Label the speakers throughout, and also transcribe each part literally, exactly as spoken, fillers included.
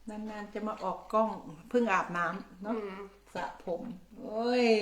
Speaker 1: นานๆจะมาออกกล้องเพิ่งอาบน้ำเนาะสระผมโอ้ย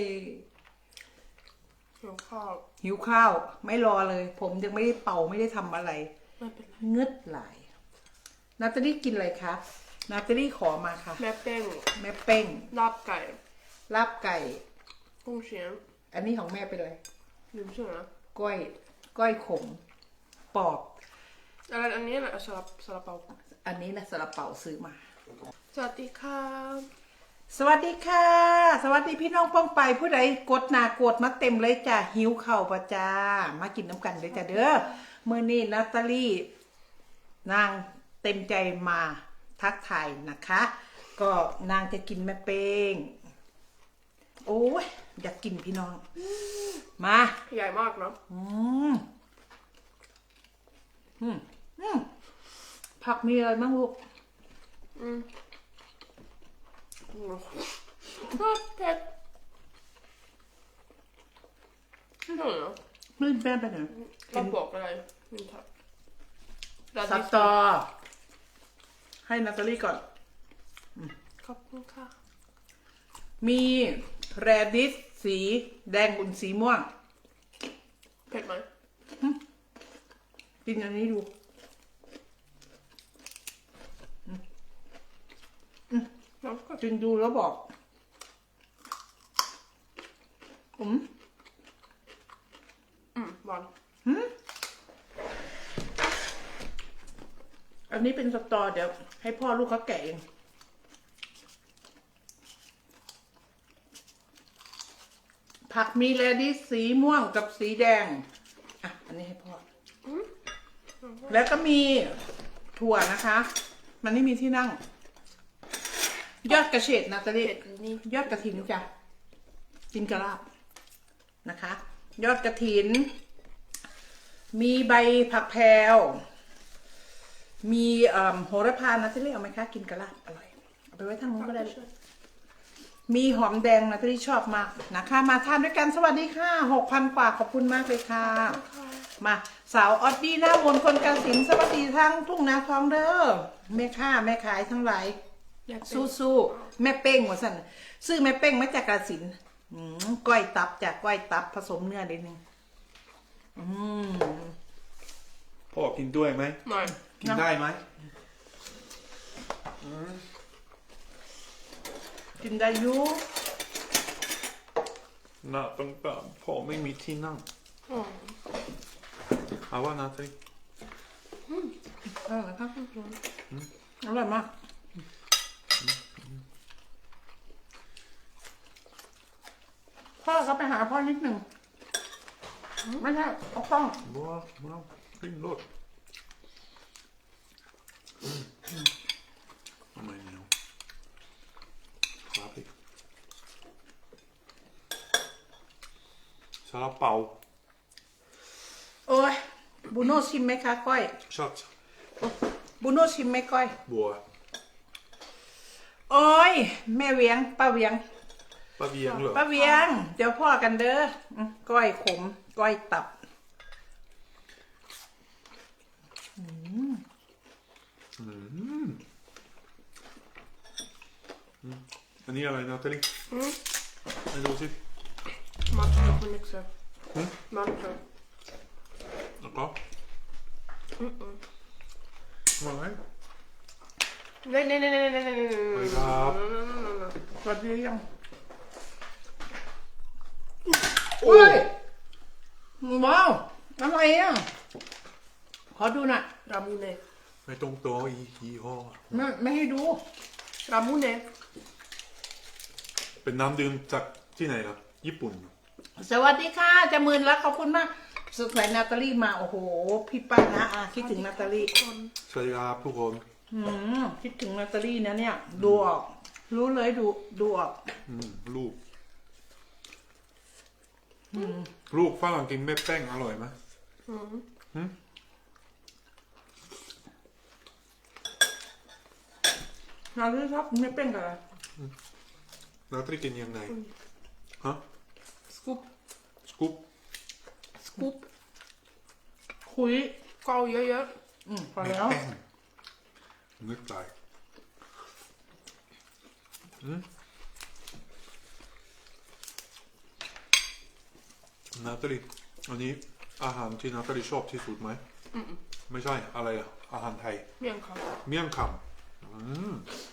Speaker 2: หิวข้าว
Speaker 1: หิวข้าวไม่รอเลย ผมยังไม่ได้เป่าไม่ได้ทำอะไร
Speaker 2: ไม่เป็นไร
Speaker 1: เงืดไหลนาตาลี่กินอะไรคะนาตาลี่ขอมาค่ะ
Speaker 2: แม่เป้ง
Speaker 1: แม่เป้ง
Speaker 2: ลาบไก่
Speaker 1: ลาบไก่
Speaker 2: กุ้งเชียง
Speaker 1: อันนี้ของแม่เป็นอะไร
Speaker 2: ลืมชื่อนะ
Speaker 1: ก้อยก้อยขมปอบ
Speaker 2: อะไรอันนี้แหละซาลาซาลาเปา
Speaker 1: อันนี้นะซาลาเปาซื้อมา
Speaker 2: สวัสดีค่ะ
Speaker 1: สวัสดีค่ะสวัสดีพี่น้องป้องไปผู้ใดกดหนากดมาเต็มเลยจ้ะหิวเข่าปะจ้ามากินน้ำกันเลยจ้ะเด้อเมื่อนี้นาตาลี่นางเต็มใจมาทักทายนะคะ ก็นางจะกินแม่เป้งโอ้ยอยากกินพี่น้องมา
Speaker 2: ใหญ่มากเนาะ
Speaker 1: อืมอืมอืมผักมีอะไรบ้างลูก
Speaker 2: อืมชอบเผ็ดไม่ใช่เหรอ
Speaker 1: ไม่แป้งไปไหน
Speaker 2: เราบอกอะไรนี่ค่ะ
Speaker 1: สตอให้นาตาลี่ก่อน
Speaker 2: ขอบคุณค่ะ
Speaker 1: มีแรดิสสีแดงอุ่นสีม่วง
Speaker 2: เผ็ดไหม
Speaker 1: กินอันนี้ดูกินดูแล้วบอกอืม
Speaker 2: อืมหวาน
Speaker 1: อันนี้เป็นสตอเดี๋ยวให้พ่อลูกเขาแกะเองผักมีแรดิสสีม่วงกับสีแดงอ่ะอันนี้ให้พ่อแล้วก็มีถั่วนะคะมันไม่มีที่นั่งยอดกระเฉดนะตะลี่ยอดกระถินจ้ะกินกระลาบนะคะ ยอดกระถินมีใบผักแพรวมีโหระพานะตะลี่เอาไหมคะกินกระลาบอร่อยเอาไปไว้ทางนู้นก็ได้มีหอมแดงนะที่ชอบมากนะคะมาทานด้วยกันสวัสดีค่ะหกพันกว่าขอบคุณมากเลยค่ะมาสาวออดดี้หน้าวนคนกาฬสินธุ์สวัสดีทั้งทุ่งนาทองเด้อแม่ค้าแม่ขายทั้งหลายสู้สู้แม่เป้งหัวสั่นซื้อแม่เป้งมาจากกาฬสินธุ์ก้อยตับจากก้อยตับผสมเนื้อนิดนึง
Speaker 3: พ่อกินด้วยไหม
Speaker 2: ไม่
Speaker 3: กินได้ไหม
Speaker 1: กินได้อยู่
Speaker 3: น่าต้องตามพ่อไม่มีที่นั่งเอาว่านาที
Speaker 1: อร่อยครับอร่อยมากพ่อเขาไปหาพ่อนิดหนึ่งไม่ใช่เอากล้อง
Speaker 3: บัวมาขึ้นรถทำไมเหนียวครับอีกซาลาเปา
Speaker 1: โอ้ยบูโน่ชิมไหมคะก้อย
Speaker 3: ชอบ
Speaker 1: บูโน่ชิมไหมก้อย
Speaker 3: บัว
Speaker 1: โอ้ยแม่เวียงป้าเวียง
Speaker 3: ป้าเวียงเหรอ
Speaker 1: ป้าเวียงเดี๋ยวพ่อกันเด้อก้อยขมก้อยตับ
Speaker 3: อันนี้อะไรนาตาลีให้ดูสิ
Speaker 2: มัดกับมันเล็กเซอร์มัดกับ
Speaker 3: แล้วก็มาไหม
Speaker 2: เน่เน่เน่เน่เน่เน่เน่
Speaker 3: ครับ
Speaker 1: สวัสดียังโอ้ยว้าวอะไรอ่ะขอดูหน่อย
Speaker 2: รามูเน่
Speaker 3: ไม่ตรงตัวอียี่ห้อ
Speaker 1: ไม่ไม่ให้ดู
Speaker 2: รามูเน่
Speaker 3: เป็นน้ำดื่มจากที่ไหนครับญี่ปุ่น
Speaker 1: สวัสดีค่ะจะหมื่นแล้วขอบคุณมากสุดสายนาตาลี่มาโอ้โหพี่ป้านะอาคิดถึงนาตาลี่
Speaker 3: สวัสดีครับทุกคน
Speaker 1: อืมคิดถึงนาตาลี่นะเนี่ยดูออกรู้เลยดูดูออก
Speaker 3: อืมลูกลูกฝรั่งกินไม่แป้งอร่อยไหมอืม
Speaker 1: นาตาลี่ชอบไม่เป็นกัน
Speaker 3: นาตาลี่กินยังไงฮะ
Speaker 1: สกู๊ป
Speaker 3: สกู๊ป
Speaker 1: สกู๊ปคุย
Speaker 2: เกาเยอะ
Speaker 1: ๆอืมพอแล้ว
Speaker 3: นึกใจนาตาลีอันนี้อาหารที่นาตาลีชอบที่สุดไหมไม่ใช่อะไรอะอาหารไทย
Speaker 2: เมี่ยงค
Speaker 3: เมี่ยงคำอืม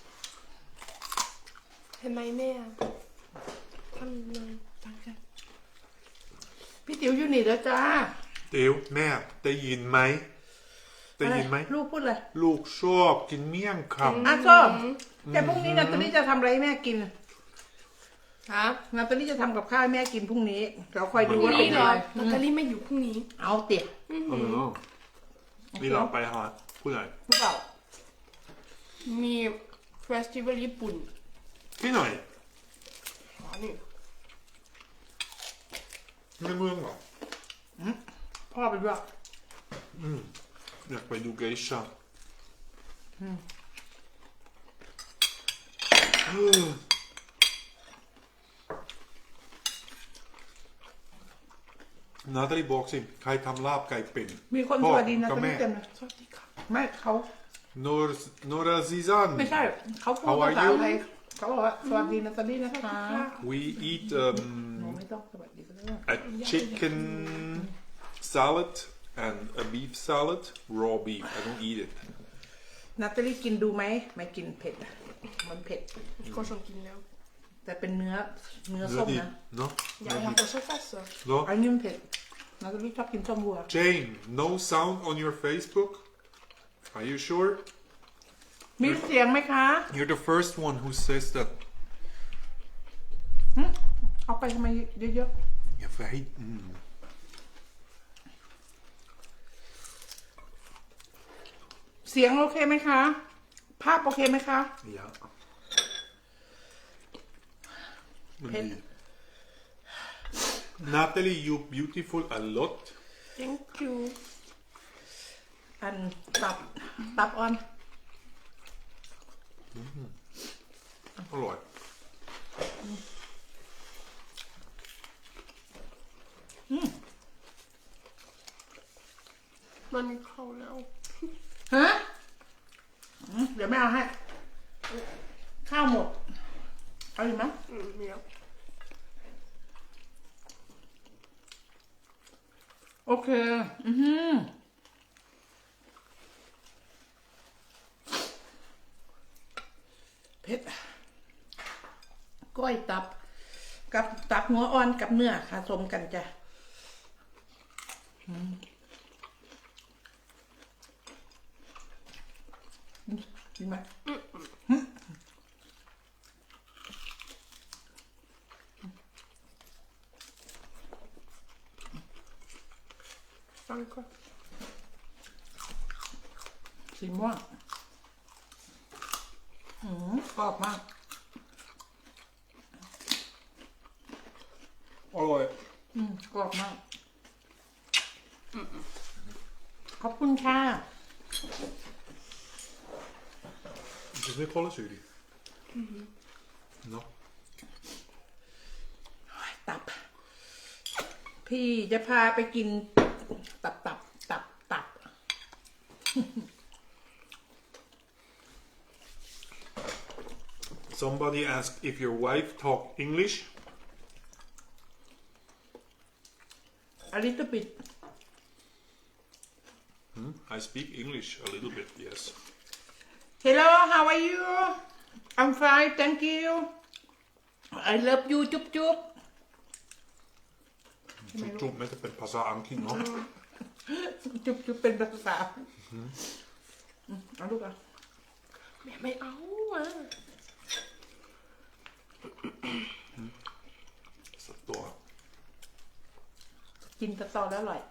Speaker 2: ำเห็นไหมแม่ทำเลยตั้งใจ
Speaker 1: พี่ติ๋วอยู่นี่แล้วจ้า
Speaker 3: เดี๋ยวแม่ได้ยินไหมได้ยินไหม
Speaker 1: อะไรลูกพูดเลย
Speaker 3: ลูกชอบกินเมี่ยงค
Speaker 1: อ่ะชอบแต่พรุ่งนี้นาตาลีจะทำอะไรให้แม่กิน
Speaker 2: ฮะ
Speaker 1: นาตาลีจะทำกับข้าวให้แม่กินพรุ่งนี้เราคอยดู
Speaker 2: พรุ่ง
Speaker 1: ว่าเป็
Speaker 2: นี้
Speaker 1: น
Speaker 2: เหร
Speaker 1: อะ
Speaker 2: อ
Speaker 1: ไร
Speaker 2: นาตาลีไม่อยู่พรุ่งนี้
Speaker 1: เอาเตี๋ย
Speaker 3: ำเออนี่เราไปหาผู้ใหญ่
Speaker 1: หรือเปล่า
Speaker 2: มีเฟสติวัลญี่ปุ่น
Speaker 3: ที่ไหน
Speaker 2: อ๋อนี่
Speaker 3: ในเมืองเหรอ
Speaker 1: พ่อไปด้วย
Speaker 3: อยากไปดูเกชานาตาลีบอกสิใครทำลาบไก่เป็น
Speaker 1: มีคนสวัสดีนาตาลีเต็มเลย
Speaker 2: สวัสดีค่ะ
Speaker 1: ไม่เขา
Speaker 3: โนรโนราซิซัน
Speaker 1: ไม่ใช่เขาพูด
Speaker 3: How are
Speaker 1: ภาษา
Speaker 3: you?
Speaker 1: ไทยเขาบอกว่าสวัสดีนาตาลีนะคะ
Speaker 3: we eat
Speaker 1: หนู
Speaker 3: um,
Speaker 1: ไม่ต้องสวัสดีก็ได้
Speaker 3: a chicken salad and a beef salad raw beef I don't eat it
Speaker 1: นาตาลีกินดูไหมไม่กินเผ็ดมันเผ็ด
Speaker 2: ก็ชอบกินแล้ว
Speaker 1: แต่เป็นเนื้อเนื้อ
Speaker 3: เนื้อ
Speaker 1: ส้ม
Speaker 3: ดิบ
Speaker 1: นะ
Speaker 3: เนาะ
Speaker 2: อยากทำตัวช่วยฟัสเหรอ
Speaker 3: เนาะ
Speaker 1: อันนี้มันเผ็ดนาตาลีชอบกินส้มวัว
Speaker 3: Jane no sound on your Facebook are you sure
Speaker 1: มีเสียงไหมคะ
Speaker 3: you're the first one who says that
Speaker 1: หึเอาไปทำไมเยอะ
Speaker 3: อย่าไปให้อืม
Speaker 1: ๆเสียงโอเคไหมคะ ภาพโอเคไหมคะ
Speaker 3: อย่ามัน
Speaker 1: เผ็ด
Speaker 3: ดี Natalie you beautiful a lot
Speaker 2: thank you
Speaker 1: อันตับตับออน
Speaker 3: อร่อย
Speaker 2: มันเข้าแล้ว
Speaker 1: ฮะอืมเดี๋ยวไม่เอาให้ ข้าวหมด เอาอีกไหม
Speaker 2: อืมมีแล้ว
Speaker 1: โอเค อือหือเผ็ดก้อยตับ กับตับหัวอ่อนกับเนื้อผสมกันจ้ะอืมดีไหม
Speaker 2: ฟังก่อน
Speaker 1: สีม่วงอืมกรอบมาก
Speaker 3: อร่อย
Speaker 1: อืมกรอบมาก ขอบคุณค่ะ
Speaker 3: Het is net alles jullie. No.
Speaker 1: ตับ พี่จะพาไปกิน ตับตับตับตับ
Speaker 3: Somebody asked if your wife talk English.
Speaker 1: a little bit
Speaker 3: Hmm? I speak English a little bit, yes.
Speaker 1: hello how are you I'm fine thank you I love you จุ๊บจุ๊บ
Speaker 3: จุ๊บๆไม่จะเป็นภาษาอังกฤษเนาะ
Speaker 1: จุ๊บจุ๊บเป็นภาษาอืมเอาลูกอ่ะ
Speaker 2: แม่ไม่เอาอ่ะ
Speaker 3: สักตัว
Speaker 1: กินสตอแล้วอร่อย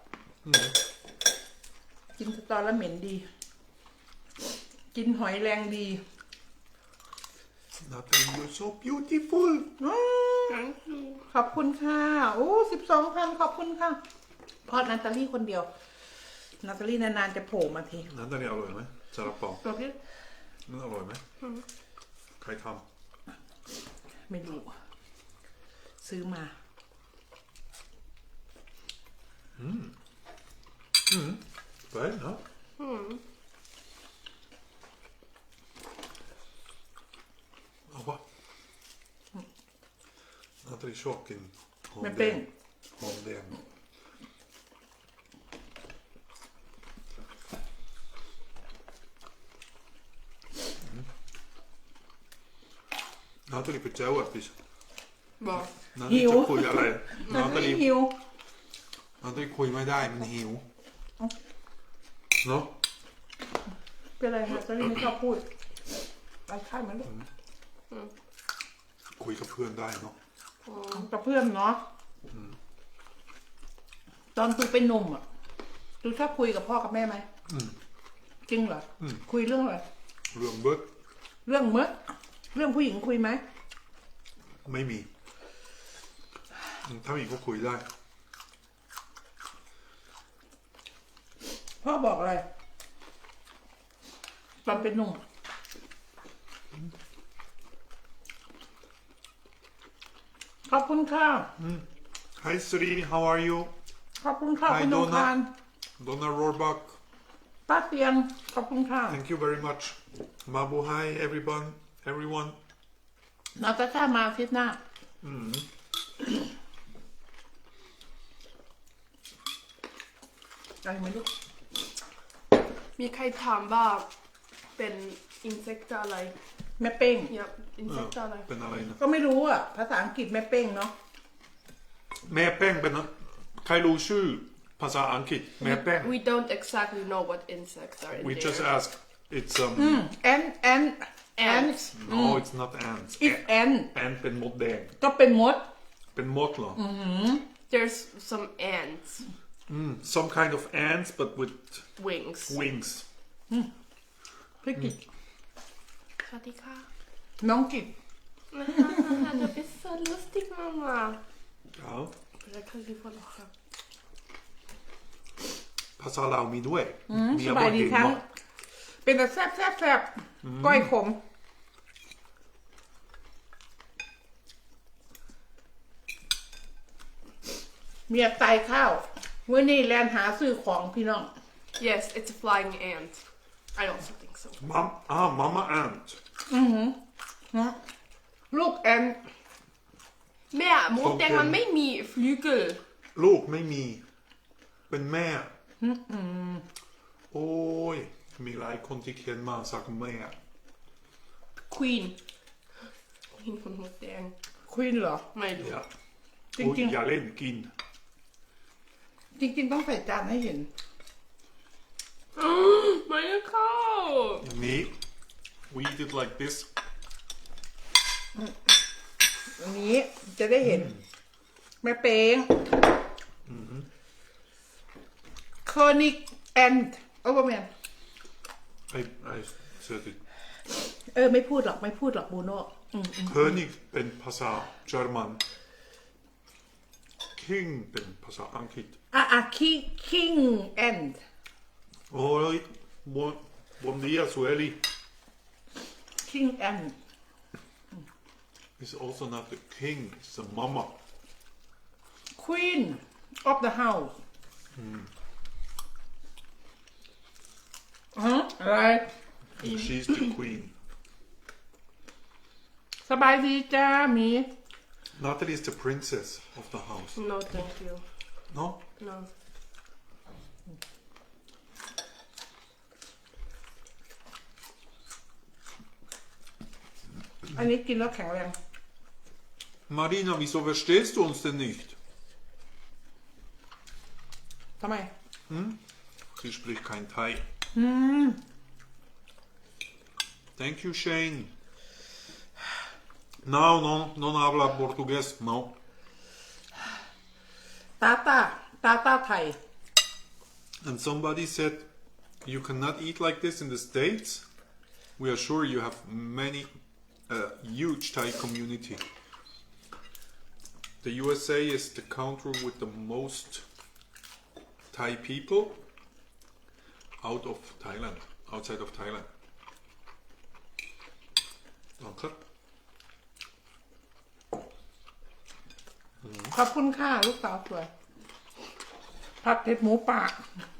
Speaker 1: กินสตอแล้วเหม็นดี กินหอยแรงดี
Speaker 3: Natalie, you're so beautiful.
Speaker 1: อืม
Speaker 2: thank you
Speaker 1: ขอบคุณค่ะ โอ้สิบสองพันขอบคุณค่ะเพราะนาตาลีคนเดียว นาตาลีนานๆจะโผล่มาที
Speaker 3: Natalie อร่อยไหมซาลาเปา
Speaker 2: ตัวพี่
Speaker 3: มันอร่อยไหมใครท
Speaker 1: ไม่รู้ ซื้อมา
Speaker 3: ำไปเนาะ
Speaker 2: อืม
Speaker 3: เอาวะ Natalie ชอบกินหอม
Speaker 1: แม่
Speaker 3: แด
Speaker 1: เป้ง
Speaker 3: งหอมแดงนาตาลีไปเจ้าอ่ะพี่
Speaker 2: Vad?
Speaker 3: นาตาลีจะคุยอะไรนาตาลี
Speaker 1: หิว
Speaker 3: นาตาลีคุยไม่ได้มันหิวเนาะ
Speaker 1: เป็นไรคะตอนนี้ไม่ชอบพูดไปข้างมันลูก
Speaker 3: คุยกับเพื่อนได้เนาะ
Speaker 1: กับเพื่อนเนาะตอนตูเป็นหนุ่มอ่ะตูชอบคุยกับพ่อกับแม่ไหมจริงเหรออคุยเรื่องอะไร
Speaker 3: เรื่องเบิร์ด
Speaker 1: เรื่องเมื่อเรื่องผู้หญิงคุยไหม
Speaker 3: ไม่มีถ้ามีก็คุยได้
Speaker 1: พ่อบอกอะไรตอนเป็นหนุ่มขอบคุณค่ะ
Speaker 3: Hi Sri how are you
Speaker 1: ขอบคุณค่ะ
Speaker 3: Hi
Speaker 1: คุณนงคาร
Speaker 3: Donna Rohrbach
Speaker 1: ป้าเตียงขอบคุณค่ะ
Speaker 3: thank you very much Mabu hi everyone everyone
Speaker 1: นาตาชามาอาทิตย์หน้าได้ไหมลูก
Speaker 2: มีใครถามว่าเป็นอินเสกต์อะไร
Speaker 1: แม่เป้ง
Speaker 2: Ja, อินเสกต์อะไร
Speaker 3: เป็นอะไรนะ
Speaker 1: ก็ไม่รู้อ่ะ ภาษาอังกฤษแม่เป้งเนาะ
Speaker 3: แม่แป้งเป็นนะใครรู้ชื่อภาษาอังกฤษแม่แป้ง
Speaker 2: We don't exactly know what insects are in
Speaker 3: we
Speaker 2: there.
Speaker 3: just ask it's um
Speaker 1: แอนแอนแอน
Speaker 2: Ants.
Speaker 3: no it's not ants
Speaker 1: อิฟแอน
Speaker 3: แอนเป็นมดแดง
Speaker 1: ก็เป็นมด
Speaker 3: เป็นมดเหรอ
Speaker 2: There's some ants.
Speaker 3: some kind of ants but with
Speaker 2: Wings.
Speaker 3: wings
Speaker 1: พี่กิจ
Speaker 2: สวัสดีค่ะ
Speaker 1: น้องกิจ
Speaker 2: Du bist so lustig, Mama.
Speaker 3: ja
Speaker 2: Jag kan ju få lacha.
Speaker 3: ภาษาลาวมีด้วย มี
Speaker 1: ส
Speaker 3: อะ
Speaker 1: บายดี
Speaker 3: เห็น
Speaker 1: ทั้ง
Speaker 3: เนาะ
Speaker 1: เป็นแต่แซ่บแซ่บแซ่บก้อยขม เมียตายข้าวเมื่อนี่แลนหาซื้อของพี่น้อง
Speaker 2: Yes, it's a flying ant. I also think so.
Speaker 3: มัมอ่ามาม่า ant
Speaker 1: ลูกแอน
Speaker 2: แม่มดแดงมันไม่มี flygel.
Speaker 3: ลูกไม่มี เป็นแม่ โอ้ย มีหลายคนที่เขียนมาสักแม่
Speaker 2: Queen. Queen ของมดแดง
Speaker 1: ควีนเหรอ
Speaker 2: ไม่รู้
Speaker 3: อย่า
Speaker 1: จริงๆ
Speaker 3: โอ้ยอย่าเล่นกิน
Speaker 1: จริงๆต้องใส่จานให้เห็น
Speaker 2: Meine Cow.
Speaker 3: นี้ we eat it like this
Speaker 1: อันนี้จะได้เห็น แม่เป้งเคอร์นิกแอนด์โอ้แมน
Speaker 3: I I said it
Speaker 1: เออ ไม่พูดหรอก ไม่พูดหรอกบูโน่
Speaker 3: König เป็นภาษาเยอรมัน King เป็นภาษาอังกฤษ
Speaker 1: อ่ะอ่ะคิคิงแอนด์
Speaker 3: โอ้ย bon bon dia Sueli
Speaker 1: คิงแอนด์
Speaker 3: is also not the king it's the mama
Speaker 1: ควีนออฟเดอะเฮาส์ฮะอะไร
Speaker 3: she's the queen
Speaker 1: สบายดีจ้าหมี
Speaker 3: Natalie is the princess of the house
Speaker 2: No, thank you.
Speaker 3: no
Speaker 2: No.
Speaker 1: อันนี้กินแล้วแข็งแรง
Speaker 3: Marina wieso verstehst du uns denn nicht
Speaker 1: ทำไม
Speaker 3: sie spricht kein Thai thank you Shane no no non habla portugués no
Speaker 1: ตาตาตาตาไทย
Speaker 3: and somebody said you cannot eat like this in the States we are sure you have many uh, huge Thai community the U S A is the country with the most Thai people out of Thailand outside of Thailand ลองครับ
Speaker 1: ขอบคุณค่ะ ลูกสาวสวย ผัดเผ็ดหมูป่า